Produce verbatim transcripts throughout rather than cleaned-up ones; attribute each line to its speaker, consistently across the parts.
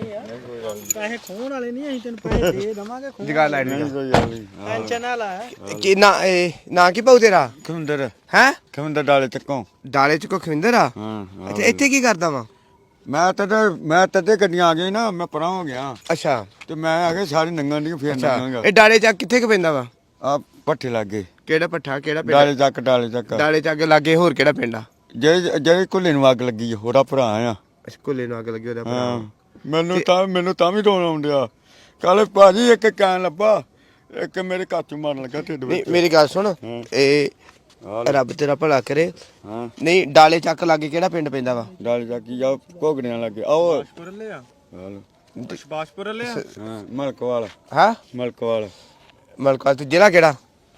Speaker 1: ਪੈਸੇ ਖੋਣ ਵਾਲੇ ਨਹੀਂ ਅਸੀਂ ਤੈਨੂੰ ਪੈਸੇ ਦੇ ਦਵਾਂਗੇ ਖੋਣ
Speaker 2: ਜਗਾ ਲੈ ਨਹੀਂ
Speaker 3: ਕੋਈ ਗੱਲ ਨਹੀਂ
Speaker 1: ਟੈਨਸ਼ਨ ਨਾ ਲੈ
Speaker 2: ਕੀ ਨਾ ਇਹ ਨਾ ਕੀ ਪਾਉ ਤੇਰਾ
Speaker 3: ਖਵਿੰਦਰ
Speaker 2: ਹੈ
Speaker 3: ਖਵਿੰਦਰ ਡਾਲੇ ਚੱਕੋਂ
Speaker 2: ਡਾਲੇ ਚ ਕੋ ਖਵਿੰਦਰ ਆ
Speaker 3: ਹਾਂ
Speaker 2: ਅੱਛਾ ਇੱਥੇ ਕੀ ਕਰਦਾ ਵਾ
Speaker 3: ਮੈਂ ਤਾਂ ਮੈਂ ਤਦੇ ਗੱਡੀਆਂ ਆ ਗਈ ਨਾ ਮੈਂ ਪਰਾਂ ਹੋ ਗਿਆ
Speaker 2: ਅੱਛਾ
Speaker 3: ਤੇ ਮੈਂ ਆ ਕੇ ਸਾਰੀ ਨੰਗਾਂ ਦੀ ਫੇਰ
Speaker 2: ਅੱਛਾ
Speaker 3: ਨੰਗਾਂਗਾ
Speaker 2: ਇਹ ਡਾਲੇ ਚੱਕ ਕਿੱਥੇ ਕੁ ਪੈਂਦਾ ਵਾ
Speaker 3: ਆ ਪੱਠੇ ਲੱਗੇ
Speaker 2: ਕਿਹੜਾ ਪੱਠਾ ਕਿਹੜਾ ਪਿੰਡ
Speaker 3: ਡਾਲੇ ਚੱਕ ਡਾਲੇ ਚੱਕ
Speaker 2: ਡਾਲੇ ਚੱਕ ਲਾਗੇ ਹੋਰ ਕਿਹੜਾ ਪਿੰਡ ਆ
Speaker 3: ਜਿਹੜੇ ਜਿਹੜੇ ਕੁੱਲੇ ਨੂੰ ਅੱਗ ਲੱਗੀ ਆ, ਉਹਦਾ ਭਰਾ ਆ
Speaker 2: ਅੱਛਾ ਕੁੱਲੇ ਨੂੰ ਅੱਗ ਲੱਗੀ ਉਹਦਾ
Speaker 3: ਹਾਂ
Speaker 2: ਭਰਾ
Speaker 3: ਮੈਨੂੰ ਤਾਂ ਮੈਨੂੰ ਤਾਂ ਵੀ ਰੋਣ ਆਉਂਦਿਆ ਕੱਲ ਭਾਜੀ ਇੱਕ ਕਹਿਣ ਲੱਭਾ ਇੱਕ ਮੇਰੇ ਕਾਚੂ ਮਾਰਨ ਲੱਗਾ ਢਿੱਡ
Speaker 2: ਨਹੀਂ
Speaker 3: ਵਿੱਚ
Speaker 2: ਮੇਰੀ ਗੱਲ ਸੁਣ
Speaker 3: ਹਾਂ।
Speaker 2: ਇਹ
Speaker 3: ਆਹ ਲੈ,
Speaker 2: ਰੱਬ ਤੇਰਾ ਭਲਾ ਕਰੇ
Speaker 3: ਹਾਂ
Speaker 2: ਨਹੀਂ ਡਾਲੇ ਚੱਕ ਲਾਗੇ ਕਿਹੜਾ ਪਿੰਡ ਪੈਂਦਾ ਵਾ
Speaker 3: ਡਾਲੇ ਚੱਕ ਜਾ ਘੋਗੜਿਆਂ ਲੱਗੇ ਆਓ
Speaker 1: ਪੁਰਲੇ ਆ
Speaker 3: ਹਾਲ
Speaker 1: ਸ਼ਬਾਸ਼ਪੁਰਲੇ ਆ
Speaker 3: ਹਾਂ ਮਲਕਵਾਲ
Speaker 2: ਹਾਂ
Speaker 3: ਮਲਕਵਾਲ
Speaker 2: ਮਲਕਾ ਤੇ ਜ਼ਿਲ੍ਹਾ ਕਿਹੜਾ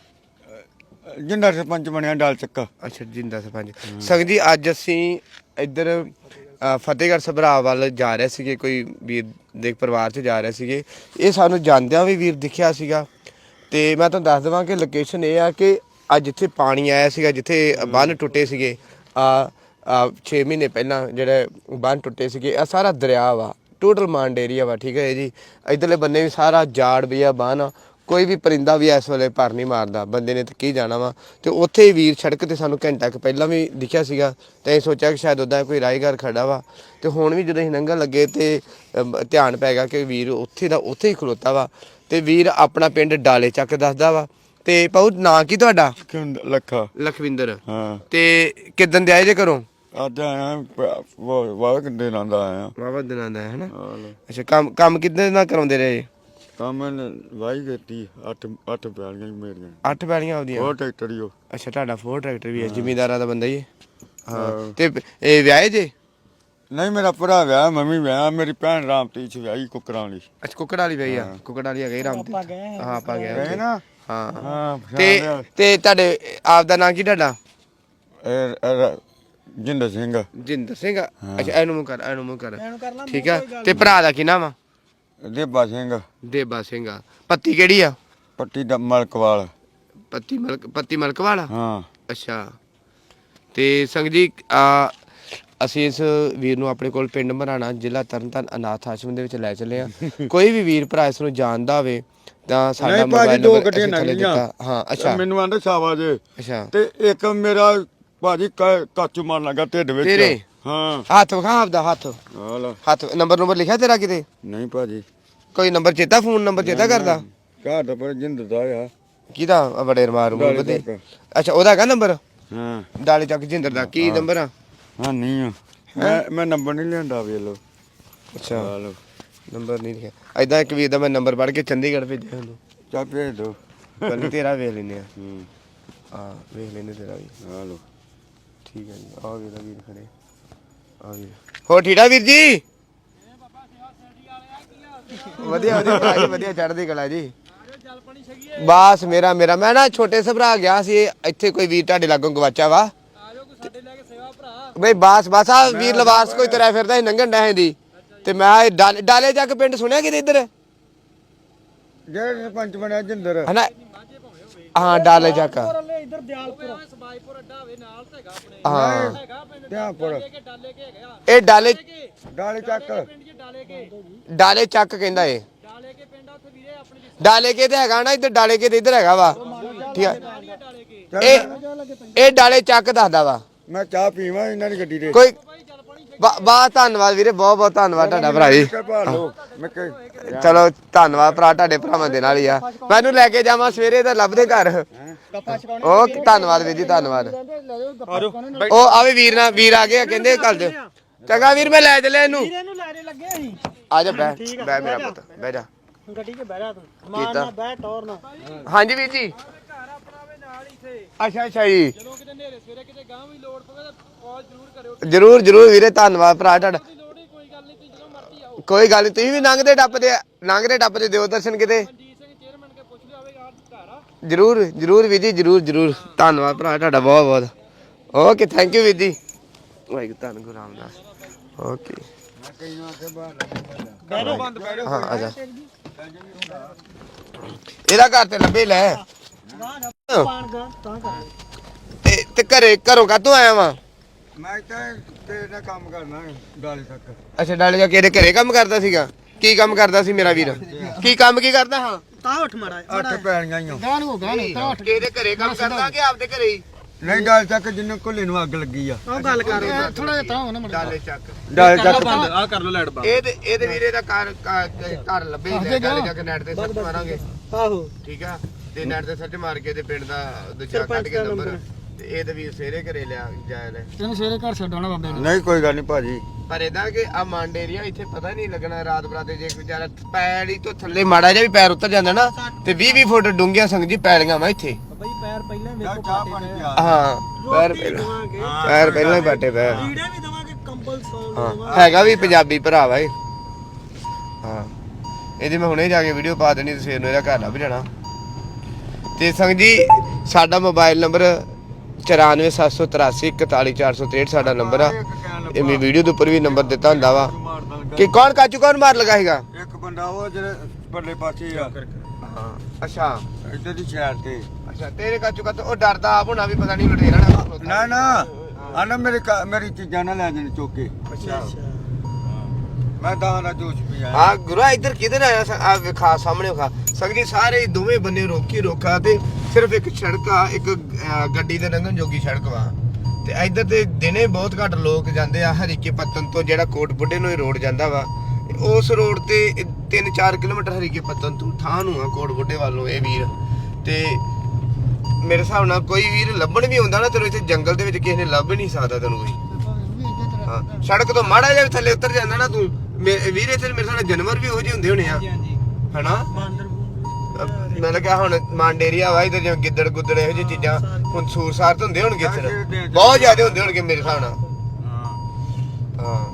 Speaker 3: ਜਿੰਦਾ ਸਰਪੰਚ ਬਣਿਆ ਡਾਲ ਚੱਕਾ
Speaker 2: ਅੱਛਾ ਜਿੰਦਾ ਸਰਪੰਚ ਸੰਗ ਜੀ ਅੱਜ ਅਸੀਂ ਇੱਧਰ ਅ, ਫਤਿਹਗੜ੍ਹ ਸਭਰਾ ਵੱਲ ਜਾ ਰਹੇ ਸੀਗੇ ਕੋਈ ਵੀਰ ਦੇ ਪਰਿਵਾਰ 'ਚ ਜਾ ਰਹੇ ਸੀਗੇ ਇਹ ਸਾਨੂੰ ਜਾਂਦਿਆਂ ਵੀ ਵੀਰ ਦਿਖਿਆ ਸੀਗਾ ਤੇ ਮੈਂ ਤੁਹਾਨੂੰ ਦੱਸ ਦੇਵਾਂ ਕਿ ਲੋਕੇਸ਼ਨ ਇਹ ਆ ਕਿ ਅੱਜ ਜਿੱਥੇ ਪਾਣੀ ਆਇਆ ਸੀਗਾ ਜਿੱਥੇ ਬੰਨ ਟੁੱਟੇ ਸੀਗੇ ਆ ਛੇ ਮਹੀਨੇ ਪਹਿਲਾਂ ਜਿਹੜੇ ਬੰਨ ਟੁੱਟੇ ਸੀਗੇ ਇਹ ਸਾਰਾ ਦਰਿਆ ਵਾ ਟੋਟਲ ਮਾਂਡ ਏਰੀਆ ਵਾ ਠੀਕ ਹੈ ਜੀ ਇੱਧਰਲੇ ਬੰਨੇ ਵੀ ਸਾਰਾ ਜਾੜ ਵੀ ਆ ਬੰਨ ਕੋਈ ਵੀ ਪਰਿੰਦਾ ਵੀ ਇਸ ਵੇਲੇ ਭਰ ਨਹੀਂ ਮਾਰਦਾ ਬੰਦੇ ਨੇ ਤਾਂ ਕੀ ਜਾਣਾ ਵਾ ਤੇ ਉੱਥੇ ਹੀ ਵੀਰ ਸੜਕ ਤੇ ਸਾਨੂੰ ਘੰਟਾ ਕੁ ਪਹਿਲਾਂ ਵੀ ਦਿਖਿਆ ਸੀਗਾ ਤੇ ਅਸੀਂ ਸੋਚਿਆ ਕਿ ਸ਼ਾਇਦ ਉੱਦਾਂ ਕੋਈ ਰਾਹਗੀਰ ਖੜਾ ਵਾ ਤੇ ਹੁਣ ਵੀ ਜਦੋਂ ਅਸੀਂ ਲੰਘਣ ਲੱਗੇ ਤੇ ਅਮ, ਧਿਆਨ ਪੈ ਗਿਆ ਕਿ ਵੀਰ ਉੱਥੇ ਦਾ ਉੱਥੇ ਹੀ ਖਲੋਤਾ ਵਾ ਤੇ ਵੀਰ ਆਪਣਾ ਪਿੰਡ ਡਾਲੇ ਚੱਕ ਦੱਸਦਾ ਵਾ ਤੇ ਪਾਉ ਨਾਂ ਕੀ ਤੁਹਾਡਾ
Speaker 3: ਖਵਿੰਦਰ ਲੱਖਾ
Speaker 2: ਲਖਵਿੰਦਰ
Speaker 3: ਹਾਂ
Speaker 2: ਤੇ ਕਿੱਦਣ ਦੇ ਆਏ ਜੇ ਘਰੋਂ
Speaker 3: ਅੱਜ ਆਇਆ ਵਾਹ ਕਿੰਨੇ ਲਾਂਦਾ ਆਇਆ
Speaker 2: ਵਾਵਾ ਦਿਨਾਂ ਦਾ ਹੈ ਹਨਾ
Speaker 3: ਹਾਲ
Speaker 2: ਅੱਛਾ ਕੰਮ ਕੰਮ ਕਿੱਦਾਂ ਨਾਲ ਕਰਾਉਂਦੇ ਰਹੇ
Speaker 3: ਕੰਮ ਵਾਈ ਕੀਤੀ ਅੱਠ ਅੱਠ ਪੈਲੀਆਂ ਮੇਰੀਆਂ
Speaker 2: ਅੱਠ ਪੈਲੀਆਂ ਆਉਂਦੀਆਂ
Speaker 3: ਉਹ ਟਰੈਕਟਰ ਹੀ ਉਹ
Speaker 2: ਅੱਛਾ ਤੁਹਾਡਾ ਫੋਰ ਟਰੈਕਟਰ ਵੀ ਹੈ ਜ਼ਿਮੀਂਦਾਰਾਂ ਦਾ ਬੰਦਾ ਹੀ ਹੈ ਹਾਂ
Speaker 3: ਹਾਂ।
Speaker 2: ਤੇ ਇਹ ਵਿਆਹੇ ਜੇ
Speaker 3: ਨਹੀਂ ਮੇਰਾ ਭਰਾ ਵਿਆਹ ਮੰਮੀ ਵਿਆਹ ਮੇਰੀ ਭੈਣ ਰਾਮਤੀਚ ਵਿਆਹੀ ਕੁਕਰਾਂ ਵਾਲੀ
Speaker 2: ਅੱਛਾ ਕੁੱਕੜ ਵਾਲੀ ਪਈ ਆ ਕੁੱਕੜ ਵਾਲੀ ਹੈਗੀ ਰਾਮ
Speaker 1: ਆਪਾਂ ਗਏ
Speaker 2: ਹਾਂ ਆਪਾਂ ਗਏ
Speaker 3: ਗਏ
Speaker 2: ਉੱਥੇ।
Speaker 3: ਨਾ
Speaker 2: ਹਾਂ
Speaker 3: ਹਾਂ
Speaker 2: ਤੇ ਤੇ ਤੁਹਾਡੇ ਆਪ ਦਾ ਨਾਂ ਕੀ ਤੁਹਾਡਾ
Speaker 3: ਇਹ ਜਿੰਦਰ ਸਿੰਘ
Speaker 2: ਜਿੰਦਰ ਸਿੰਘ ਅੱਛਾ ਇਹਨੂੰ ਮੂੰਹ ਕਰ ਇਹਨੂੰ ਮੂੰਹ ਕਰ
Speaker 1: ਇਹਨੂੰ ਕਰ ਲਾ
Speaker 2: ਠੀਕ ਆ ਤੇ ਭਰਾ ਦਾ ਕੀ ਨਾਮ ਆ
Speaker 3: ਦੇਬਾ ਸਿੰਘ
Speaker 2: ਦੇਬਾ ਸਿੰਘ ਆ ਪੱਤੀ ਕਿਹੜੀ ਆ
Speaker 3: ਪੱਟੀ ਦਾ ਮਲਕਵਾਲ
Speaker 2: ਪੱਤੀ ਮਲਕ ਪੱਤੀ ਮਲਕ ਵਾਲਾ
Speaker 3: ਹਾਂ
Speaker 2: ਅੱਛਾ ਤੇ ਸੰਗ ਜੀ ਆ ਅਸੀਂ ਇਸ ਵੀਰ ਨੂੰ ਆਪਣੇ ਕੋਲ ਪਿੰਡ ਮਰਾਣਾ ਜ਼ਿਲ੍ਹਾ ਤਰਨਤਾਰਨ ਅਨਾਥ ਆਸ਼ਰਮ ਦੇ ਵਿੱਚ ਲੈ ਚੱਲੇ ਆ ਕੋਈ ਵੀ ਵੀਰ ਭਰਾ ਇਸ ਨੂੰ ਜਾਣਦਾ ਹੋਵੇ ਤਾਂ ਸਾਡਾ
Speaker 3: ਨਹੀਂ ਭਾਜੀ
Speaker 2: ਮੋਬਾਈਲ
Speaker 3: ਦੋ
Speaker 2: ਨੰਬਰ
Speaker 3: ਗੱਡੀਆਂ
Speaker 2: ਅਸੀਂ ਥੱਲੇ
Speaker 3: ਲੰਘੀਆਂ
Speaker 2: ਦਿੱਤਾ ਹਾਂ ਅੱਛਾ
Speaker 3: ਮੈਨੂੰ ਆਂਦੇ ਸਾਵਾ ਜੇ
Speaker 2: ਅੱਛਾ
Speaker 3: ਤੇ ਇੱਕ ਮੇਰਾ ਭਾਜੀ ਕਾ- ਕਾਚੂ ਮਾਰਨ ਲੱਗਾ ਢਿੱਡ ਵਿੱਚ
Speaker 2: ਤੇਰੇ?
Speaker 3: ਹਾਂ
Speaker 2: ਹੱਥ ਵਿਖਾ ਆਪਦਾ ਹੱਥ
Speaker 3: ਹਾਲ
Speaker 2: ਹੱਥ ਨੰਬਰ ਨੰਬਰ ਲਿਖਿਆ ਤੇਰਾ ਕਿਤੇ
Speaker 3: ਨਹੀਂ ਭਾਜੀ
Speaker 2: ਕੋਈ ਨੰਬਰ ਚੇਤਾ ਫੋਨ ਨੰਬਰ ਚੇਤਾ ਕਰਦਾ
Speaker 3: ਘਰ ਦਾ ਪਰ ਜਿੰਦਰ ਦਾ ਆ
Speaker 2: ਕਿਹਦਾ ਆਹ ਬੜੇ ਰਮਾਰ ਮੂਰ
Speaker 3: ਡਾਲੇ
Speaker 2: ਬਦੇ
Speaker 3: ਚੱਕ।
Speaker 2: ਅੱਛਾ ਉਹਦਾ ਹੈਗਾ ਨੰਬਰ
Speaker 3: ਹਾਂ
Speaker 2: ਡਾਲੇ ਚੱਕ ਜਿੰਦਰ ਦਾ ਕੀ ਨੰਬਰ ਆ
Speaker 3: ਹਾਂ ਨਹੀਂ ਆ ਮੈਂ ਮੈਂ ਨੰਬਰ ਨਹੀਂ ਲਿਆਂਦਾ ਵੇ ਲੋ
Speaker 2: ਅੱਛਾ
Speaker 3: ਹਾਲ
Speaker 2: ਨੰਬਰ ਨਹੀਂ ਲਿਖਿਆ ਐਦਾਂ ਇੱਕ ਵੀਰ ਦਾ ਮੈਂ ਨੰਬਰ ਪੜ ਕੇ ਚੰਡੀਗੜ੍ਹ ਭੇਜਿਆ ਉਹਨੂੰ
Speaker 3: ਚੱਲ ਭੇਜ ਦੋ
Speaker 2: ਪਹਿਲੇ ਤੇਰਾ ਵੇਖ ਲੈਨੇ ਆ
Speaker 3: ਹੂੰ
Speaker 2: ਹਾਂ ਵੇਖ ਲੈਨੇ ਤੇਰਾ ਵੀ
Speaker 3: ਹਾਲੋ
Speaker 2: ਠੀਕ ਹੈ ਜੀ ਆ ਵੀਰ ਵੀਰ ਖੜੇ ਆ ਵੀਰ ਹੋ ਠੀੜਾ ਵੀਰ ਜੀ ਵਧੀਆ ਵਧੀਆ ਭਰਾ ਜੀ ਵਧੀਆ ਚੜ੍ਹਦੀ ਕਲਾ ਜੀ ਬਸ ਮੇਰਾ ਮੇਰਾ ਮੈਂ ਨਾ ਛੋਟੇ ਸਭਰਾ ਗਿਆ ਸੀ ਇੱਥੇ ਕੋਈ ਵੀਰ ਤੁਹਾਡੇ ਲਾਗੋਂ ਗਵਾਚਾ ਵਾ ਬਈ ਬਾਸ ਬਾਸ ਆ ਵੀਰ ਲਵਾਰਸ ਕੋਈ ਤੁਰਿਆ ਫਿਰਦਾ ਸੀ ਨੰਗਣ ਡਹਿ ਦੀ ਤੇ ਮੈਂ ਇਹ ਡਾਲੇ ਡਾਲੇ ਜਾ ਕੇ ਪਿੰਡ ਸੁਣਿਆ ਕਿਤੇ ਇੱਧਰ
Speaker 3: ਜਿਹੜਾ ਸਰਪੰਚ ਬਣਿਆ ਜਿੰਦਰ
Speaker 2: ਹਨਾ ਹਾਂ ਡਾਲੇ ਜਾ ਕੇ
Speaker 1: ਪੁਰਲੇ ਇੱਧਰ ਦਿਆਲਪੁਰ ਸਬਾਈਪੁਰ ਅੱਡਾ ਹੋਵੇ ਨਾਲ ਤਾਂ ਹੈਗਾ ਆਪਣੇ
Speaker 2: ਹਾਂ
Speaker 1: ਹੈਗਾ ਪਿੰਡ
Speaker 3: ਧਿਆਨਪੁਰ
Speaker 1: ਕੇ ਡਾਲੇ ਕੇ ਹੈਗਾ
Speaker 2: ਇਹ ਡਾਲੇ
Speaker 3: ਡਾਲੇ ਚੱਕ
Speaker 1: ਪਿੰਡ ਜੀ ਡਾਲੇ ਕੇ
Speaker 2: ਡਾਲੇ ਚੱਕ ਕਹਿੰਦਾ ਏ
Speaker 1: ਡਾਲੇ ਕੇ ਪਿੰਡ ਆ ਉੱਥੇ ਵੀਰੇ ਆਪਣੇ ਦੀ
Speaker 2: ਡਾਲੇ ਕੇ ਤੇ ਹੈਗਾ ਨਾ ਇੱਧਰ ਡਾਲੇ ਕੇ ਤੇ ਇੱਧਰ ਹੈਗਾ ਵਾ ਠੀਕ ਆ
Speaker 1: ਡਾਲੇ ਕੇ
Speaker 2: ਇਹ ਇਹ ਡਾਲੇ ਚੱਕ ਦੱਸਦਾ ਵਾ
Speaker 3: ਮੈਂ ਚਾਹ ਪੀਵਾਂ ਇਹਨਾਂ ਦੀ ਗੱਡੀ ਦੇ
Speaker 2: ਕੋਈ ਬਾ ਧੰਨਵਾਦ ਵੀਰੇ ਬਹੁਤ ਬਹੁਤ ਧੰਨਵਾਦ ਤੁਹਾਡਾ ਭਰਾ ਜੀ
Speaker 3: ਭਾਲੋ ਮੈਂ ਕਿ
Speaker 2: ਚਲੋ ਧੰਨਵਾਦ ਭਰਾ ਤੁਹਾਡੇ ਭਰਾਵਾਂ ਦੇ ਨਾਲ ਹੀ ਆ ਮੈਨੂੰ ਲੈ ਕੇ ਜਾਵਾਂ ਸਵੇਰੇ ਤਾਂ ਲੱਭਦੇ ਘਰ
Speaker 1: ਗੱਪਾ ਛਕਾਉਣੇ
Speaker 2: ਉਹ ਧੰਨਵਾਦ ਵੀਰ ਜੀ ਧੰਨਵਾਦ ਉਹ ਆਵੇ ਵੀਰ ਨਾਲ ਵੀਰ ਆ ਗਏ ਆ, ਕਹਿੰਦੇ ਕੱਲ ਦੇ ਚੰਗਾ ਵੀਰ ਮੈਂ ਲੈ ਚੱਲਿਆ ਇਹਨੂੰ
Speaker 1: ਇਹਨੂੰ ਲੈਣੇ ਲੱਗੇ ਅਸੀਂ
Speaker 2: ਆ ਜਾ ਬੈ ਬੈ ਮੇਰਾ ਪੁੱਤ ਬਹਿ ਜਾ
Speaker 1: ਗੱਡੀ 'ਚ ਬਹਿ ਜਾ ਤੂੰ ਮਾਰ ਨਾ ਬਹਿ ਟੌਰ ਨਾ
Speaker 2: ਹਾਂਜੀ ਵੀਰ ਜੀ
Speaker 1: ਘਰ ਆਪਣਾ ਵੇ ਨਾਲ ਹੀ ਇੱਥੇ
Speaker 2: ਅੱਛਾ ਅੱਛਾ ਜੀ
Speaker 1: ਜਦੋਂ ਕਿਤੇ ਨੇਰੇ ਸਵੇਰੇ ਕਿਤੇ ਗਾਂ ਵੀ ਲੋੜ ਪਵੇ ਤਾਂ ਕਾਲ ਜ਼ਰੂਰ ਕਰਿਓ
Speaker 2: ਜਰੂਰ ਜਰੂਰ ਵੀਰੇ ਧੰਨਵਾਦ ਭਰਾ ਤੁਹਾਡਾ
Speaker 1: ਦੀ ਲੋੜ ਹੀ ਕੋਈ ਗੱਲ ਨਹੀਂ ਤੁਸੀਂ ਜਦੋਂ ਮਰਜ਼ੀ ਆਓ
Speaker 2: ਕੋਈ ਗੱਲ ਨੀ ਤੁਸੀਂ ਵੀ ਲੰਘਦੇ ਟੱਪਦੇ ਲੰਘਦੇ ਟੱਪਦੇ ਦਿਓ ਦਰਸ਼ਨ ਕਿਤੇ
Speaker 1: ਮਨਜੀਤ ਸਿੰਘ ਚੇਅਰਮੈਨ ਕੇ ਪੁੱਛ ਲਿਆ ਹੋਵੇਗਾ ਘਰ ਆ
Speaker 2: ਜਰੂਰ ਜਰੂਰ ਵੀਰ ਜੀ ਜਰੂਰ ਜਰੂਰ ਧੰਨਵਾਦ ਭਰਾ ਤੁਹਾਡਾ ਬਹੁਤ ਬਹੁਤ ਓਕੇ ਥੈਂਕ ਯੂ ਵੀਰ ਜੀ ਵਾਹਿਗੁਰੂ ਧੰਨ ਗੁਰੂ ਰਾਮਦਾਸ ਓਕੇ ਹਾਂ ਆ ਜਾ ਇਹਦਾ ਘਰ ਤੇ ਲੱਭੇ ਲੈ
Speaker 1: ਪਾਣ ਗਾ ਤਾਂ ਕਰ
Speaker 2: ਤੇ ਤੇ ਘਰੇ ਘਰੋਂ ਕਾਤੋਂ ਆਇਆ ਵਾਂ
Speaker 3: ਮੈਂ ਤਾਂ ਤੇਰੇ ਨਾਲ ਕੰਮ ਕਰਨਾ ਡਾਲੇ ਤੱਕ
Speaker 2: ਅੱਛਾ ਡਾਲੇ ਜਾ ਕੇ ਇਹਦੇ ਘਰੇ ਕੰਮ ਕਰਦਾ ਸੀਗਾ ਕੀ ਕੰਮ ਕਰਦਾ ਸੀ ਮੇਰਾ ਵੀਰ ਕੀ ਕੰਮ ਕੀ ਕਰਦਾ ਹਾਂ
Speaker 4: ਤਾਂ ਉੱਠ ਮਾੜਾ
Speaker 3: ਅੱਠ ਪੈਣੀਆਂ ਹੀ ਆ।
Speaker 4: ਗਾਣ ਹੋ ਗਾਣ ਤਾਂ ਉੱਠ
Speaker 2: ਕਿਹਦੇ ਘਰੇ ਕੰਮ ਕਰਦਾ ਕਿ ਆਪਦੇ ਘਰੇ ਹੀ
Speaker 3: ਨਹੀਂ ਡਾਲ ਚੱਕ ਜਿੰਨੇ ਕੋਲੇ ਨੂੰ ਅੱਗ ਲੱਗੀ ਆ
Speaker 4: ਉਹ ਗੱਲ ਕਰ ਥੋੜਾ ਜਿਹਾ ਤਾਂ ਹੋਣਾ ਮੜਾ
Speaker 2: ਡਾਲੇ ਚੱਕ
Speaker 3: ਡਾਲ ਚੱਕ
Speaker 1: ਬੰਦ ਆ ਕਰ ਲੋ ਲਾਈਟ ਬੰਦ
Speaker 2: ਇਹ ਤੇ ਇਹਦੇ ਵੀਰੇ ਦਾ ਘਰ ਘਰ ਲੱਭੇ ਲੈ ਗੱਲ ਜਾ ਕੇ ਨੈਟ ਤੇ ਸਰਚ ਮਾਰਾਂਗੇ
Speaker 4: ਆਹੋ
Speaker 2: ਠੀਕ ਆ ਤੇ ਨੈਟ ਤੇ ਸਰਚ ਮਾਰ ਕੇ ਤੇ ਪਿੰਡ ਦਾ ਦੂਜਾ ਕੱਢ ਕੇ ਨੰਬਰ ਤੇ ਇਹ ਤੇ ਵੀਰ ਸਵੇਰੇ ਘਰੇ ਲਿਆ ਜਾਇਆ ਲੈ
Speaker 4: ਤੈਨੂੰ ਸਵੇਰੇ ਘਰ ਛੱਡਣਾ ਬਾਬੇ ਨੂੰ
Speaker 3: ਨਹੀਂ ਕੋਈ ਗੱਲ ਨਹੀਂ ਭਾਜੀ
Speaker 2: ਪਰ ਇਹਦਾ ਕਿ ਆ ਮਾਂਡੇਰੀਆ ਇੱਥੇ ਪਤਾ ਨਹੀਂ ਲੱਗਣਾ ਰਾਤ ਬਰਾਤੇ ਜੇ ਕੋਈ ਵਿਚਾਰਾ ਪੈੜੀ ਤੋਂ ਥੱਲੇ ਮਾੜਾ ਜਿਹਾ ਵੀ ਪੈਰ ਉੱਤਰ ਜਾਂਦਾ ਨਾ ਤੇ ਵੀਹ ਵੀਹ ਫੁੱਟ ਡੂੰਘੀਆਂ ਸੰਗ ਜੀ ਪੈਲੀਆਂ ਵਾ ਇੱਥੇ
Speaker 4: ਬਈ ਪੈਰ ਪਹਿਲਾਂ
Speaker 3: ਚਾਹ ਚਾਹ ਪਾਣੀ ਪਿਆ
Speaker 2: ਹਾਂ ਪੈਰ ਪਹਿਲਾਂ ਪੈਰ ਪਹਿਲਾਂ ਹੀ ਬਾਟੇ ਪੈਰ
Speaker 4: ਲੀੜੇ ਵੀ ਦਵਾਂਗੇ ਕੰਬਲ ਸੌਣ
Speaker 2: ਹਾਂ ਹੈਗਾ ਵੀ ਪੰਜਾਬੀ ਭਰਾ ਵਾ ਇਹ ਹਾਂ ਇਹਦੀ ਮੈਂ ਹੁਣੇ ਜਾ ਕੇ ਵੀਡੀਓ ਪਾ ਦੇਣੀ ਤੇ ਸਵੇਰ ਨੂੰ ਇਹਦਾ ਘਰ ਲੱਭ ਜਾਣਾ ਤੇ ਸੰਗ ਜੀ ਸਾਡਾ ਮੋਬਾਈਲ ਨੰਬਰ ਚੁਰਾਨਵੇਂ ਸੱਤ ਸੌ ਤਰਾਸੀ ਇਕਤਾਲੀ ਚਾਰ ਸੌ ਤਰੇਹਠ ਸਾਡਾ ਨੰਬਰ ਆ ਇਹ ਮੈਂ ਵੀਡੀਓ ਦੇ ਉੱਪਰ ਵੀ ਨੰਬਰ ਦਿੱਤਾ ਹੁੰਦਾ ਵਾ ਕਿ ਕੌਣ ਕਾਚੂ ਕੌਣ ਮਾਰ ਲਗਾ ਹੈਗਾ
Speaker 3: ਇੱਕ ਬੰਦਾ ਉਹ ਜਿਹੜੇ ਪਰਲੇ ਪਾਸੇ ਆ
Speaker 2: ਹਾਂ ਅੱਛਾ
Speaker 3: ਇੱਧਰ ਦੀ ਸਾਈਡ ਤੇ
Speaker 2: ਅੱਛਾ ਤੇਰੇ ਕਾਚੂ ਕਾ ਉਹ ਡਰਦਾ ਆਪ ਹੋਣਾ ਵੀ ਪਤਾ ਨਹੀਂ ਲੁਟੇਰਾ ਨਾ
Speaker 3: ਨਾ ਨਾ ਆਨਾ ਮੇਰੇ ਘਰ- ਮੇਰੀ ਚੀਜ਼ਾਂ ਨਾ ਲੈ ਜਾਣ ਚੁੱਕ ਕੇ
Speaker 2: ਅੱਛਾ
Speaker 3: ਮੈਂ ਤਾਂ ਦਾ ਜੋਸ਼ ਵੀ ਆਇਆ
Speaker 2: ਹਾਂ ਗੁਰਾ ਇੱਧਰ ਕਿਧਰ ਆਇਆ ਆ ਵੇਖਾ ਸਾਹਮਣੇ ਖਾ ਸੰਗਜੀ ਸਾਰੇ ਦੋਵੇਂ ਬੰਨੇ ਰੋਕੀ ਰੋਕਾ ਤੇ ਸਿਰਫ ਇੱਕ ਸੜਕ ਆ ਇੱਕ ਅਹ, ਗੱਡੀ ਦੇ ਲੰਘਣ ਜੋਗੀ ਸੜਕ ਵਾ ਤੇ ਇੱਧਰ ਤੇ ਦਿਨੇ ਬਹੁਤ ਘੱਟ ਲੋਕ ਜਾਂਦੇ ਆ ਹਰੀਕੇ ਪੱਤਨ ਤੋਂ ਜਿਹੜਾ ਕੋਟ ਬੁੱਢੇ ਨੂੰ ਇਹ ਰੋਡ ਜਾਂਦਾ ਵਾ ਉਸ ਰੋਡ ਤੇ ਤਿੰਨ ਚਾਰ ਕਿਲੋਮੀਟਰ ਹਰੀਕੇ ਪੱਤਨ ਤੋਂ ਥਾਂ ਨੂੰ ਆ ਕੋਟ ਬੁੱਢੇ ਵੱਲੋਂ ਇਹ ਵੀਰ ਤੇ ਮੇਰੇ ਹਿਸਾਬ ਨਾਲ ਕੋਈ ਵੀਰ ਲੱਭਣ ਵੀ ਆਉਂਦਾ ਨਾ ਤੈਨੂੰ ਇੱਥੇ ਜੰਗਲ ਦੇ ਵਿੱਚ ਕਿਸੇ ਨੇ ਲੱਭ ਨਹੀਂ ਸਕਦਾ ਤੈਨੂੰ ਕੋਈ ਹਾਂ ਸੜਕ ਤੋਂ ਮਾੜਾ ਜਿਹਾ ਵੀ ਥੱਲੇ ਉਤਰ ਜਾਂਦਾ ਨਾ ਤੂੰ ਮੇ- ਵੀਰ ਇੱਥੇ ਮੇਰੇ ਸਾਹਮਣੇ ਜਾਨਵਰ ਵੀ ਉਹੋ ਜਿਹੇ ਹੁੰਦੇ ਹੋਣੇ ਆ ਹਨਾ ਮੈਂ ਲੱਗਿਆ ਹੁਣ ਮਾਂਡੇਰੀਆ ਵਾ ਇਧਰ ਜਿਵੇਂ ਗਿੱਦੜ ਗੁੱਦੜ ਇਹੋ ਜਿਹੀ ਚੀਜ਼ਾਂ ਹੁਣ ਸੂਰਸਾਰ ਤਾਂ ਹੁੰਦੇ ਹੋਣਗੇ ਇੱਧਰ ਬਹੁਤ ਜ਼ਿਆਦਾ ਹੁੰਦੇ ਹੋਣਗੇ ਮੇਰੇ ਹਿਸਾਬ ਨਾਲ
Speaker 3: ਹਾਂ
Speaker 2: ਹਾਂ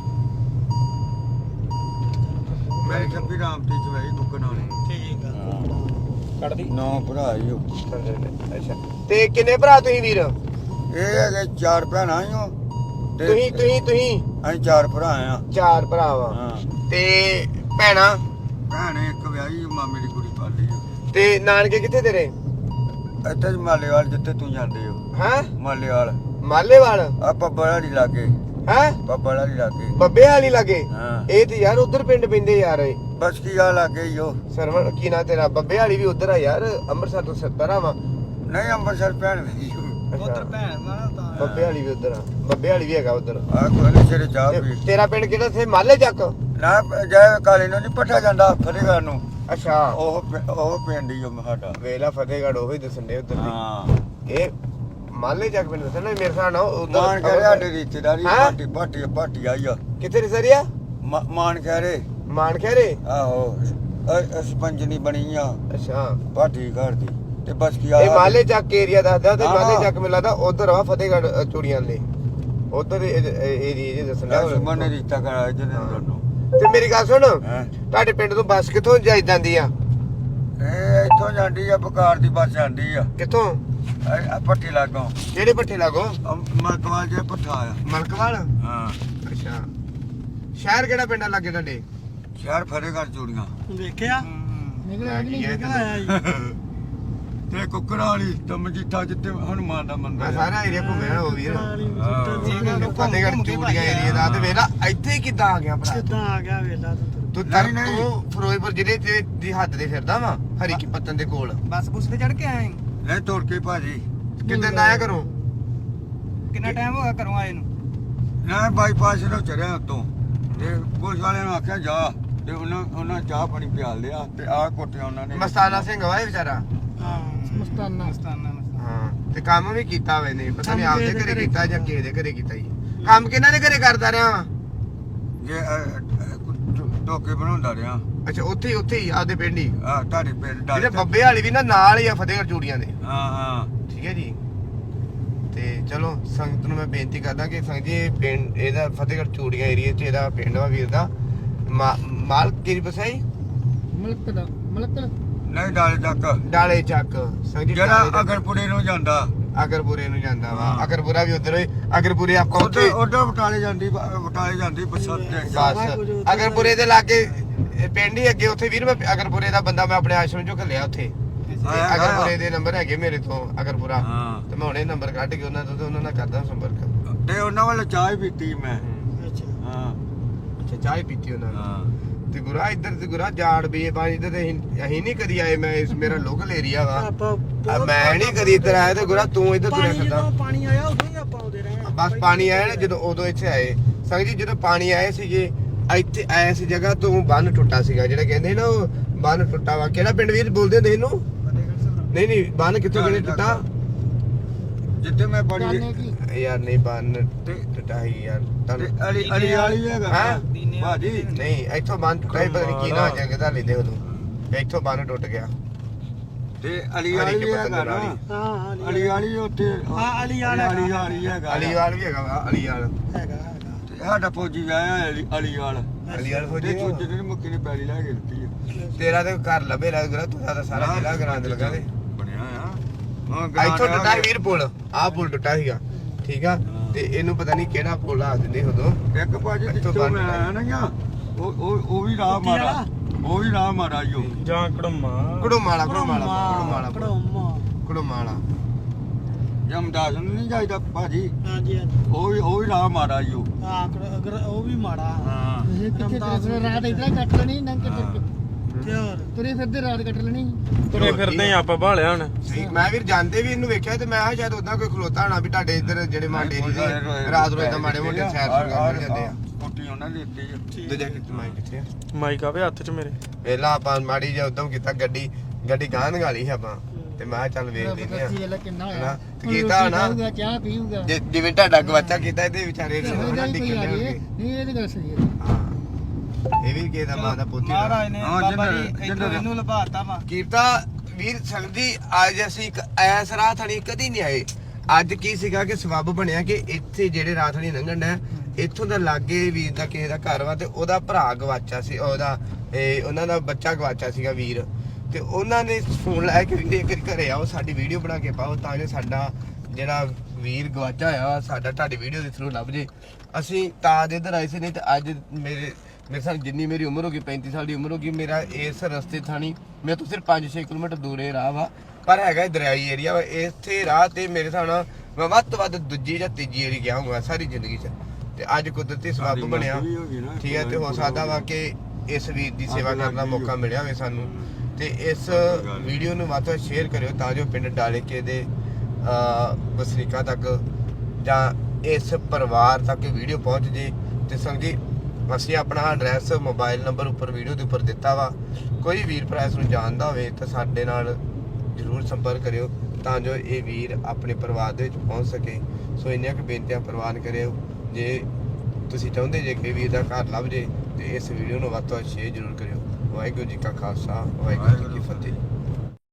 Speaker 3: ਮੈਂ ਛੱਬੀ ਰਾਮ ਤੇ ਚਵਾਈ ਦੁਕਾਨਾਂ ਨੇ
Speaker 4: ਠੀਕ ਆ
Speaker 1: ਕੱਢਦੀ
Speaker 3: ਨੌ ਭਰਾ ਹੀ ਉਹ।
Speaker 2: ਅੱਛਾ ਤੇ ਕਿੰਨੇ ਭਰਾ ਤੁਸੀਂ ਵੀਰ
Speaker 3: ਇਹ ਹੈਗੇ ਚਾਰ ਭੈਣਾਂ ਹੀ ਹੋ ਤੇ
Speaker 2: ਤੁਸੀਂ ਤੁਸੀਂ ਤੁਸੀਂ
Speaker 3: ਅਸੀਂ ਚਾਰ ਭਰਾ ਆ
Speaker 2: ਚਾਰ ਭਰਾ ਵਾ
Speaker 3: ਹਾਂ
Speaker 2: ਤੇ ਭੈਣਾ
Speaker 3: ਭੈਣ ਇੱਕ ਵਿਆਹੀ ਮਾਮੇ ਦੀ ਕੁੜੀ ਪਾਲੀ ਆ।
Speaker 2: ਤੇ ਨਾਨਕੇ ਕਿੱਥੇ ਤੇਰੇ
Speaker 3: ਇੱਥੇ ਜੀ ਮਾਲੇਵਾਲ ਜਿੱਥੇ ਤੂੰ ਜਾਂਦੇ ਹੋ
Speaker 2: ਹੈਂ
Speaker 3: ਮਾਲੇਵਾਲ
Speaker 2: ਮਾਲੇਵਾਲ
Speaker 3: ਆ ਪੱਬੜਾ ਦੀ ਲਾਗੇ
Speaker 2: ਹੈਂ
Speaker 3: ਪੱਬੜਾ ਦੀ ਲਾਗੇ
Speaker 2: ਬੱਬੇ ਵਾਲੀ ਲਾਗੇ
Speaker 3: ਹਾਂ
Speaker 2: ਇਹ ਤੇ ਯਾਰ ਉਧਰ ਪਿੰਡ ਪੈਂਦੇ ਯਾਰ ਇਹ
Speaker 3: ਬਸ ਕੀ ਆ ਲਾਗੇ ਹੀ ਉਹ
Speaker 2: ਸਰਵਣ ਕੀ ਨਾ ਤੇਰਾ ਬੱਬੇ ਵਾਲੀ ਵੀ ਉਧਰ ਆ ਯਾਰ ਅੰਮ੍ਰਿਤਸਰ ਤੋਂ ਸੱਤਰ ਆ ਵਾ
Speaker 3: ਨਹੀਂ ਅੰਮ੍ਰਿਤਸਰ ਭੈਣ ਵੀ
Speaker 4: ਉਧਰ ਭੈਣ ਵਾਲਾ ਤਾਂ
Speaker 2: ਬੱਬੇ ਵਾਲੀ ਵੀ ਉਧਰ ਆ ਬੱਬੇ ਵਾਲੀ ਵੀ ਹੈਗਾ ਉਧਰ
Speaker 3: ਆ ਕੋਈ ਸਿਰੇ ਚਾਹ ਵੀ
Speaker 2: ਤੇਰਾ ਪਿੰਡ ਕਿਹੜਾ ਥੇ ਮਾਲੇ ਚੱਕ
Speaker 3: ਨਾ ਜੈ ਕਾਲੇ ਨੂੰ ਨਹੀਂ ਪੱਠਾ ਜਾਂਦਾ ਫਤਿਹਗੜ੍ਹ ਨੂੰ
Speaker 2: ਅੱਛਾ
Speaker 3: ਉਹ ਪਿੰ- ਉਹ ਪਿੰਡ ਹੀ ਉਹ ਸਾਡਾ
Speaker 2: ਵੇਲਾ ਫਤਿਹਗੜ੍ਹ ਉਹੀ ਦੱਸਣ ਦੇ ਉਧਰ
Speaker 3: ਹਾਂ
Speaker 2: ਇਹ ਮਾਲੇ ਚੱਕ ਪਿੰਡ ਦੱਸਣਾ ਮੇਰੇ ਹਿਸਾਬ ਨਾਲ ਉਧਰ
Speaker 3: ਮਾਨ ਕਹਿ ਰਿਹਾ ਸਾਡੇ ਰਿਸ਼ਤੇਦਾਰੀ
Speaker 2: ਹੈਂ?
Speaker 3: ਪਾਰਟੀ ਪਾਰਟੀ ਪਾਰਟੀ ਆਈ ਆ
Speaker 2: ਕਿੱਥੇ ਰਿਸਰੀਆ
Speaker 3: ਮਾ- ਮਾਨ ਕਹਿ ਰਹੇ
Speaker 2: ਮਾਨ ਖੈਰੇ
Speaker 3: ਆਹੋ ਸਪੰਜਨੀ ਬਣੀ ਆ
Speaker 2: ਅੱਛਾ
Speaker 3: ਪਾਰਟੀ ਘਰ ਦੀ ਤੇ ਬਸ ਕੀ ਆ
Speaker 2: ਇਹ ਮਾਲੇ ਚੱਕ ਏਰੀਆ ਦੱਸਦਾ ਤੇ
Speaker 3: ਹਾਂ।
Speaker 2: ਮਾਲੇ ਚੱਕ ਮਿਲਾ ਦਾ ਉਧਰ ਆ ਫਤਿਹਗੜ੍ਹ ਅ, ਚੂੜੀਆਂ ਦੇ ਉਧਰ ਏਰੀਆ ਜੇ ਦੱਸਣਾ
Speaker 3: ਸੁਮਨ ਨੇ ਰਿਸ਼ਤਾ ਕਰਾਇਆ ਜਿਹਨੇ ਦੋਨੋਂ
Speaker 2: ਤੇ ਮੇਰੀ ਗੱਲ ਸੁਣ
Speaker 3: ਹੈਂ?
Speaker 2: ਤੁਹਾਡੇ ਪਿੰਡ ਤੋਂ ਬੱਸ ਕਿੱਥੋਂ ਜਾਈ ਜਾਂਦੀ ਆ
Speaker 3: ਇਹ ਇੱਥੋਂ ਜਾਂਦੀ ਆ ਬਕਾਰ ਦੀ ਬੱਸ ਜਾਂਦੀ ਆ
Speaker 2: ਕਿੱਥੋਂ
Speaker 3: ਇਹ ਆ ਪੱਟੀ ਲਾਗੋਂ
Speaker 2: ਕਿਹੜੇ ਪੱਠੇ ਲਾਗੋ
Speaker 3: ਮਲਕਵਾਲ ਜੇ ਪੱਠਾ ਆ
Speaker 2: ਮਲਕਵਾਲ
Speaker 3: ਹਾਂ
Speaker 2: ਅੱਛਾ ਸ਼ਹਿਰ ਕਿਹੜਾ ਪਿੰਡ ਆ ਲੱਗੇ ਤੁਹਾਡੇ
Speaker 3: ਸ਼ਹਿਰ ਫਤਿਹਗੜ੍ਹ ਚੂੜੀਆਂ
Speaker 4: ਵੇਖਿਆ ਨਿਕਲਿਆ ਕਿ ਨਹੀਂ ਨਿਕਲ ਆਇਆ ਜੀ
Speaker 3: ਤੇ ਕੁੱਕੜਾਂ ਵਾਲੀ ਤੇ ਮਜੀਠਾ ਜਿੱਥੇ ਹਨੂਮਾਨ ਦਾ ਮੰਦਿਰ
Speaker 2: ਮੈਂ
Speaker 3: ਆ।
Speaker 2: ਸਾਰਾ ਏਰੀਆ ਘੁੰਮਿਆ ਉਹ ਵੀਰ
Speaker 4: ਕਿੱਦਾਂ
Speaker 2: ਫਤਿਹਗੜ੍ਹ ਚੂੜੀਆਂ ਏਰੀਆ ਦਾ ਤੇ ਵੇਲਾ ਇੱਥੇ ਕਿੱਦਾਂ ਆ ਗਿਆ ਭਰਾ
Speaker 4: ਆ ਗਿਆ ਵੇਲਾ ਤੂੰ
Speaker 2: ਤੂੰ ਤਰ
Speaker 3: ਨਹੀਂ, ਨਹੀਂ।
Speaker 2: ਤੂੰ ਫਿਰੋਜ਼ਪੁਰ ਜ਼ਿਲ੍ਹੇ ਤੇ ਦੀ ਹੱਦ ਤੇ ਫਿਰਦਾ ਵਾ ਹਰੀ ਕੀ ਪੱਤਨ ਦੇ ਕੋਲ
Speaker 4: ਬੱਸ ਬੁੱਸ ਤੇ ਚੜ ਕੇ ਆਏ
Speaker 3: ਨਹੀਂ ਤੁਰ ਕੇ ਭਾਜੀ
Speaker 2: ਕਿੱਦਾਂ ਆਇਆ ਕਰੋ
Speaker 4: ਕਿੰਨਾ ਟਾਈਮ ਹੋ ਗਿਆ ਘਰੋਂ ਆਏ ਨੂੰ
Speaker 3: ਨਾ ਬਾਈਪਾਸ ਤੋਂ ਚੜਿਆ ਉੱਤੋਂ ਤੇ ਪੁਲਿਸ ਵਾਲਿਆਂ ਨੂੰ ਆਖਿਆ ਜਾ ਤੇ ਉਹਨਾਂ ਉਹਨਾਂ ਚਾਹ ਪਾਣੀ ਪਿਆਲ ਲਿਆ ਤੇ ਆਹ ਕੋਠਿਆ ਉਹਨਾਂ ਨੇ
Speaker 2: ਮਸਤਾਨਾ ਸਿੰਘ ਵਾ ਇਹ ਵਿਚਾਰਾ
Speaker 4: ਹਾਂ ਮਸਤਾਨਾ ਮਸਤਾਨਾ
Speaker 2: ਹਾਂ ਤੇ ਕੰਮ ਵੀ ਕੀਤਾ ਵੇ ਨੇ ਪਤਾ ਨਹੀਂ ਆਪਦੇ ਘਰੇ ਕੀਤਾ ਜਾਂ ਕਿਸੇ ਦੇ ਘਰੇ ਕੀਤਾ ਜੀ ਕੰਮ ਕਿਹਨਾਂ ਦੇ ਘਰੇ ਕਰਦਾ ਰਿਹਾ ਵਾ
Speaker 3: ਜੇ ਟੋਕੇ ਬਣਾਉਂਦਾ ਰਿਹਾ
Speaker 2: ਅੱਛਾ ਉੱਥੇ ਹੀ ਉੱਥੇ ਹੀ ਆਪਦੇ ਪਿੰਡ ਹੀ
Speaker 3: ਆ ਤੁਹਾਡੇ ਪਿੰਡ
Speaker 2: ਇਹਦੇ
Speaker 3: ਡਾਲੇ
Speaker 2: ਬੱਬੇ ਵਾਲੀ ਵੀ ਨਾ ਨਾਲ ਹੀ ਆ ਫਤਿਹਗੜ੍ਹ ਚੂੜੀਆਂ ਦੇ
Speaker 3: ਹਾਂ ਹਾਂ
Speaker 2: ਠੀਕ ਹੈ ਜੀ ਤੇ ਚਲੋ ਸੰਗਤ ਨੂੰ ਮੈਂ ਬੇਨਤੀ ਕਰਦਾ ਕਿ ਸੰਗਤ ਜੀ ਇਹ ਪਿੰਡ ਇਹਦਾ ਫਤਿਹਗੜ੍ਹ ਚੂੜੀਆਂ ਏਰੀਆ 'ਚ ਇਹਦਾ ਪਿੰਡ ਵਾ ਵੀਰ ਦਾ ਮਾ- ਮਾਲਕ ਕਿਹੜੀ ਬਸਾਈ
Speaker 4: ਮਲਕ ਦਾ ਮਲਕ
Speaker 3: ਨਹੀਂ ਡਾਲੇ ਤੱਕ
Speaker 2: ਡਾਲੇ ਚੱਕ ਸੰਗਤ ਜੀ
Speaker 3: ਜਿਹੜਾ ਅਗਰਪੁਰੇ ਨੂੰ ਜਾਂਦਾ
Speaker 2: ਅਗਰਪੁਰੇ ਨੂੰ ਜਾਂਦਾ ਵਾ
Speaker 3: ਹਾਂ।
Speaker 2: ਅਗਰਪੁਰਾ ਵੀ ਉਧਰ ਅਗਰਪੁਰੇ ਆਪਾਂ
Speaker 3: ਉੱਥੇ
Speaker 2: ਉੱਥੇ
Speaker 3: ਉੱਧਰ ਬਟਾਲੇ ਜਾਂਦੀ ਬਟਾਲੇ ਜਾਂਦੀ ਬੱਸਾਂ ਤੇ
Speaker 2: ਬਸ ਅਗਰਪੁਰੇ ਦੇ ਲਾਗੇ ਇਹ ਪਿੰਡ ਹੀ ਅੱਗੇ ਉੱਥੇ ਵੀਰ ਮੈਂ ਅਗਰਪੁਰੇ ਦਾ ਬੰਦਾ ਮੈਂ ਆਪਣੇ ਆਸ਼ਰਮ ਚੋਂ ਘੱਲਿਆ ਉੱਥੇ
Speaker 3: ਆਇਆ, ਆਇਆ।
Speaker 2: ਅਗਰਪੁਰੇ ਦੇ ਨੰਬਰ ਹੈਗੇ ਮੇਰੇ ਤੋਂ ਅਗਰਪੁਰਾ
Speaker 3: ਹਾਂ
Speaker 2: ਤੇ ਮੈਂ ਹੁਣੇ ਨੰਬਰ ਕੱਢ ਕੇ ਉਹਨਾਂ ਤੋਂ ਤੇ ਉਹਨਾਂ ਨਾਲ ਕਰਦਾ ਸੰਪਰਕ
Speaker 3: ਤੇ ਉਹਨਾਂ ਵੱਲ ਚਾਹ ਹੀ ਪੀਤੀ ਮੈਂ
Speaker 4: ਅੱਛਾ
Speaker 3: ਹਾਂ
Speaker 2: ਅੱਛਾ ਚਾਹ ਹੀ ਪੀਤੀ ਉਹਨਾਂ ਨੇ
Speaker 3: ਹਾਂ
Speaker 2: ਤੇ ਗੁਰਾ ਇੱਧਰ ਤੇ ਗੁਰਾ ਜਾੜ ਬੇ ਬਾਣੀ ਤੇ ਅਸੀਂ ਅਸੀਂ ਨਹੀਂ ਕਦੀ ਆਏ। ਮੈਂ ਇਸ ਮੇਰਾ ਲੋਕਲ ਏਰੀਆ ਵਾ
Speaker 4: ਆਪਾਂ
Speaker 2: ਆ ਮੈਂ ਨਹੀਂ ਕਦੀ ਇੱਧਰ ਆਇਆ ਤੇ ਗੁਰਾ ਤੂੰ ਇੱਧਰ ਤੁਰਿਆ
Speaker 4: ਪਾਣੀ
Speaker 2: ਫਿਰਦਾ।
Speaker 4: ਜਦੋਂ ਪਾਣੀ ਆਇਆ ਉਦੋਂ ਹੀ ਆਪਾਂ ਆਉਂਦੇ ਰਹੇ ਹਾਂ।
Speaker 2: ਬਸ ਪਾਣੀ ਆਇਆ ਨਾ ਜਦੋਂ ਉਦੋਂ ਇੱਥੇ ਆਏ। ਸੰਗ ਜੀ ਜਦੋਂ ਪਾਣੀ ਆਏ ਸੀਗੇ ਇੱਥੇ ਐਸ ਜਗ੍ਹਾ ਤੋਂ ਬੰਨ ਟੁੱਟਾ ਸੀਗਾ ਜਿਹੜਾ ਕਹਿੰਦੇ ਨਾ ਉਹ ਬੰਨ ਟੁੱਟਾ ਵਾ। ਕਿਹੜਾ ਪਿੰਡ ਵੀਰ ਬੋਲਦੇ ਹੁੰਦੇ ਇਹਨੂੰ? ਨਹੀਂ ਨਹੀਂ ਬੰਨ ਕਿੱਥੋਂ ਕਿਹਨੇ ਟੁੱਟਾ?
Speaker 3: ਜਿੱਥੇ ਮੈਂ ਪੜੀ
Speaker 2: ਯਾਰ ਨਹੀਂ ਬੰਨ ਟੁੱਟਾ ਹੀ ਯਾਰ
Speaker 3: ਤੇ
Speaker 2: ਤੁਹਾਨੂੰ
Speaker 3: ਅਲੀ ਅਲੀ ਵਾਲੀ ਹੈਗਾ
Speaker 2: ਹੈਂ?
Speaker 3: ਭਾਜੀ
Speaker 2: ਨਹੀਂ ਇੱਥੋਂ ਬੰਨ ਟੁੱਟਾ ਸੀ, ਪਤਾ ਨਹੀਂ ਕੀ ਨਾ ਜਗ੍ਹਾ ਲੈਂਦੇ ਉਦੋਂ ਇੱਥੋਂ ਬੰਨ ਟੁੱਟ ਗਿਆ।
Speaker 3: ਤੇ ਅਲੀ ਵਾਲੀ ਹੈਗਾ ਨਾ
Speaker 4: ਹਾਂ ਹਾਂ
Speaker 3: ਅਲੀ ਵਾਲੀ ਉੱਥੇ
Speaker 4: ਹਾਂ, ਅਲੀ ਵਾਲਾ
Speaker 3: ਅਲੀ ਵਾਲੀ ਹੈਗਾ
Speaker 2: ਅਲੀਵਾਲ ਵੀ ਹੈਗਾ ਵਾ ਅਲੀਵਾਲ।
Speaker 4: ਹੈਗਾ ਹੈਗਾ
Speaker 3: ਤੇ ਸਾਡਾ ਫੌਜੀ ਆਇਆ ਅਲੀ ਅਲੀ ਵਾਲ
Speaker 2: ਅਲੀਵਾਲ
Speaker 3: ਤੇ
Speaker 2: ਫੌਜੀ
Speaker 3: ਚੁੱਜ ਨੇ ਮੁੱਕੀ ਨੇ ਪੈਲੀ ਲੈ ਕੇ ਦਿੱਤੀ ਆ।
Speaker 2: ਤੇਰਾ ਤੇ ਘਰ ਲੱਭੇ ਲੱਗ ਰਿਹਾ ਤੂੰ ਤਾਂ ਸਾਰਾ ਜ਼ਿਲ੍ਹਾ ਗਰਾਂਦ ਲਗਾ ਦੇ।
Speaker 3: ਬਣਿਆ ਆ ਹਾਂ ਗਰਾਂਡ
Speaker 2: ਇੱਥੋਂ ਟੁੱਟਾ
Speaker 3: ਆ
Speaker 2: ਸੀ ਵੀਰ ਪੁਲ। ਆਹ ਪੁਲ ਟੁੱਟਾ ਸੀਗਾ ਠੀਕ ਆ। ਤੇ ਇਹਨੂੰ ਪਤਾ ਨਹੀਂ ਕਿਹੜਾ ਪੁਲ ਆ ਦਿੰਦੇ ਉਦੋਂ।
Speaker 3: ਇੱਕ ਭਾਜੀ
Speaker 2: ਇੱਥੋਂ
Speaker 3: ਜਿੱਥੋਂ
Speaker 2: ਬੰਨ
Speaker 3: ਮੈਂ ਆਇਆ ਨਾ ਗਿਆ ਉਹ ਉਹ ਉਹ ਵੀ ਰਾਹ ਮਾਰਾ ਉਹ ਵੀ ਰਾਹ ਮਾਰਾ ਜੋ
Speaker 1: ਜਾਂ ਕੜਮਾ
Speaker 2: ਕੁੜਮਾਲਾ ਕੁੜਮਾਲਾ ਕੁੜਮਾਲਾ
Speaker 4: ਕੜੋਮਾ
Speaker 2: ਕੁੜਮਾਲਾ
Speaker 3: ਜਮਦਾਸ ਨੂੰ ਨਹੀਂ ਜਾਈਦਾ ਭਾਜੀ
Speaker 4: ਹਾਂਜੀ ਹਾਂਜੀ
Speaker 3: ਉਹ ਵੀ ਉਹ ਵੀ ਰਾਹ ਮਾਰਾ ਜੋ
Speaker 4: ਹਾਂ ਕੜ- ਅਗਰ ਉਹ ਵੀ ਮਾੜਾ
Speaker 3: ਹਾਂ
Speaker 4: ਇਹ ਕਿੱਥੇ ਤੇਰੇ ਰਾਤ ਇਧਰ ਕੱਟ ਲੈਣੀ ਨੰਗ ਕੇ ਤੇ ਹੋਰ ਤੁਰੇ ਫਿਰਦੇ ਰਾਤ ਕੱਟ ਲੈਣੀ।
Speaker 1: ਤੁਰੇ ਫਿਰਦੇ ਆ ਆਪਾਂ ਭਾਲਿਆ ਹੁਣ।
Speaker 2: ਸਹੀ ਮੈਂ ਵੀਰ ਜਾਂਦੇ ਵੀ ਇਹਨੂੰ ਵੇਖਿਆ ਤੇ ਮੈਂ ਕਿਹਾ ਸ਼ਾਇਦ ਉਦਾਂ ਕੋਈ ਖਲੋਤਾ ਹੋਣਾ ਵੀ ਤੁਹਾਡੇ ਇੱਧਰ ਜਿਹੜੇ ਮਾਂਡੇ ਦੀ ਰਾਤ ਨੂੰ ਇਦਾਂ ਮਾੜੇ ਮੋਟੇ ਸੈਰ ਸੁਰ ਕਰਨ ਜਾਂਦੇ ਆ।
Speaker 3: ਕੋਟੀ ਉਹਨਾਂ ਦੀ ਦਿੱਤੀ ਆ।
Speaker 2: ਦੂਜਾ ਕਿੱਥੇ ਮਾਈ ਕਿੱਥੇ ਆ?
Speaker 1: ਮਾਈਕ ਆਵੇ ਹੱਥ 'ਚ ਮੇਰੇ।
Speaker 2: ਪਹਿਲਾਂ ਆਪਾਂ ਮਾੜੀ ਜਿਹਾ ਉਦਮ ਕੀਤਾ ਗੱਡੀ ਗੱਡੀ ਗਾਂ ਨਗਾਲੀ ਸੀ ਆਪਾਂ ਤੇ ਮੈਂ ਕਿਹਾ ਚੱਲ ਵੇਖ ਲੈਂਦੇ ਆ
Speaker 4: ਵੇਲਾ ਕਿੰਨਾ
Speaker 2: ਹਨਾ
Speaker 4: ਹੋਇਆ
Speaker 2: ਤੇ ਕੀਤਾ ਨਾ
Speaker 4: ਪੀਊਗਾ, ਚਾਹ ਪੀਊਗਾ
Speaker 2: ਜੇ- ਜਿਵੇਂ ਤੁਹਾਡਾ ਗਵਾਚਾ ਕੀਤਾ ਇਹਦੇ ਵਿਚਾਰੇ ਨੂੰ
Speaker 4: ਇਹੋ
Speaker 2: ਨਾ
Speaker 4: ਜਿਹਾ ਹੀ
Speaker 2: ਡਿੱਗ
Speaker 4: ਕੋਈ ਆ
Speaker 2: ਲੈਣਗੇ।
Speaker 4: ਜੇ ਨਹੀਂ ਇਹਦੀ ਗੱਲ ਸਹੀ ਹੈ।
Speaker 2: ਹਾਂ ਇਹ ਵੀ ਕਿਸੇ ਦਾ ਮਾਂ ਦਾ ਪੋਤੀ ਦਾ
Speaker 1: ਮਹਾਰਾਜ ਨੇ
Speaker 3: ਹਾਂ,
Speaker 1: ਬਾਬਾ
Speaker 3: ਜਿੰਦਰ-
Speaker 1: ਜੀ
Speaker 3: ਜਿੰਦਰ-
Speaker 1: ਇੱਥੋਂ ਇਹਨੂੰ ਲਭਾਤਾ ਵਾ।
Speaker 2: ਕੀਤਾ ਵੀਰ ਸੰਗਦੀ ਅੱਜ ਅਸੀਂ ਇੱਕ ਐਸ ਰਾਹ ਥਣੀ ਕਦੀ ਨਹੀਂ ਆਏ। ਅੱਜ ਕੀ ਸੀਗਾ ਕਿ ਸਬੱਬ ਬਣਿਆ ਕਿ ਇੱਥੇ ਜਿਹੜੇ ਰਾਹ ਥਣੀ ਲੰਘਣ ਹੈ ਇੱਥੋਂ ਦਾ ਲਾਗੇ ਵੀਰ ਦਾ ਕਿਸੇ ਦਾ ਘਰ ਵਾ ਤੇ ਉਹਦਾ ਭਰਾ ਗਵਾਚਾ ਸੀ ਉਹਦਾ ਇਹ ਉਹਨਾਂ ਦਾ ਬੱਚਾ ਗਵਾਚਾ ਸੀਗਾ ਵੀਰ ਤੇ ਉਹਨਾਂ ਨੇ ਫੋਨ ਲਾਇਆ ਕਿ ਵੀਰੇ ਇੱਕ ਘਰੇ ਆਓ ਸਾਡੀ ਵੀਡੀਓ ਬਣਾ ਕੇ ਪਾਓ ਤਾਂ ਜੋ ਸਾਡਾ ਜਿਹੜਾ ਵੀਰ ਗਵਾਚਾ ਹੋਇਆ ਵਾ ਸਾਡਾ ਤੁਹਾਡੀ ਵੀਡੀਓ ਦੇ ਥਰੂ ਲੱਭ ਜੇ। ਅਸੀਂ ਤਾਂ ਦੇ ਇੱਧਰ ਆਏ ਸੀ ਨਹੀਂ ਤੇ ਅੱਜ ਮੇਰੇ ਮੇਰੇ ਸਾਲ ਜਿੰਨੀ ਮੇਰੀ ਉਮਰ ਹੋ ਗਈ ਪੈਂਤੀ ਸਾਲ ਦੀ ਉਮਰ ਹੋ ਗਈ ਮੇਰਾ ਇਸ ਰਸਤੇ ਥਾਣੀ ਮੇਰੇ ਤੋਂ ਸਿਰਫ ਪੰਜ ਛੇ ਕਿਲੋਮੀਟਰ ਦੂਰ ਇਹ ਰਾਹ ਵਾ ਪਰ ਹੈਗਾ ਦਰਿਆਈ ਏਰੀਆ ਵਾ। ਇੱਥੇ ਰਾਹ ਤੇ ਮੇਰੇ ਹਿਸਾਬ ਨਾਲ ਮੈਂ ਵੱਧ ਤੋਂ ਵੱਧ ਦੂਜੀ ਜਾਂ ਤੀਜੀ ਏਰੀ ਗਿਆ ਹੋਊਗਾ ਸਾਰੀ ਜ਼ਿੰਦਗੀ 'ਚ ਤੇ ਅੱਜ ਕੁਦਰਤੀ ਸਬੱਬ ਬਣਿਆ ਠੀਕ ਹੈ ਤੇ ਹੋ ਸਕਦਾ ਵਾ ਕਿ ਇਸ ਵੀਰ ਦੀ ਸੇਵਾ ਕਰਨ ਦਾ ਮੌਕਾ ਮਿਲਿਆ ਹੋਵੇ ਸਾਨੂੰ ਤੇ ਇਸ ਵੀਡੀਓ ਨੂੰ ਵੱਧ ਤੋਂ ਵੱਧ ਸ਼ੇਅਰ ਕਰਿਓ ਤਾਂ ਜੋ ਪਿੰਡ ਡਾਲੇਕੇ ਦੇ ਵਸਨੀਕਾਂ ਤੱਕ ਜਾਂ ਇਸ ਪਰਿਵਾਰ ਤੱਕ ਵੀਡੀਓ ਪਹੁੰਚ ਜੇ। ਤੇ ਸੰਗਜੀ ਅਸੀਂ ਆਪਣਾ ਐਡਰੈਸ ਮੋਬਾਈਲ ਨੰਬਰ ਉੱਪਰ ਵੀਡੀਓ ਦੇ ਉੱਪਰ ਦਿੱਤਾ ਵਾ। ਕੋਈ ਵੀਰ ਭਰਾ ਇਸ ਨੂੰ ਜਾਣਦਾ ਹੋਵੇ ਤਾਂ ਸਾਡੇ ਨਾਲ ਜ਼ਰੂਰ ਸੰਪਰਕ ਕਰਿਓ ਤਾਂ ਜੋ ਇਹ ਵੀਰ ਆਪਣੇ ਪਰਿਵਾਰ ਦੇ ਵਿੱਚ ਪਹੁੰਚ ਸਕੇ। ਸੋ ਇੰਨੀਆਂ ਕੁ ਬੇਨਤੀਆਂ ਪ੍ਰਵਾਨ ਕਰਿਓ। ਜੇ ਤੁਸੀਂ ਚਾਹੁੰਦੇ ਜੇ ਕਿ ਵੀਰ ਦਾ ਘਰ ਲੱਭ ਜੇ ਤੇ ਇਸ ਵੀਡੀਓ ਨੂੰ ਵੱਧ ਤੋਂ ਵੱਧ ਸ਼ੇਅਰ ਜ਼ਰੂਰ ਕਰਿਓ। ਵਾਹਿਗੁਰੂ ਜੀ ਕਾ ਖਾਲਸਾ ਵਾਹਿਗੁਰੂ ਜੀ ਕੀ ਫਤਿਹ।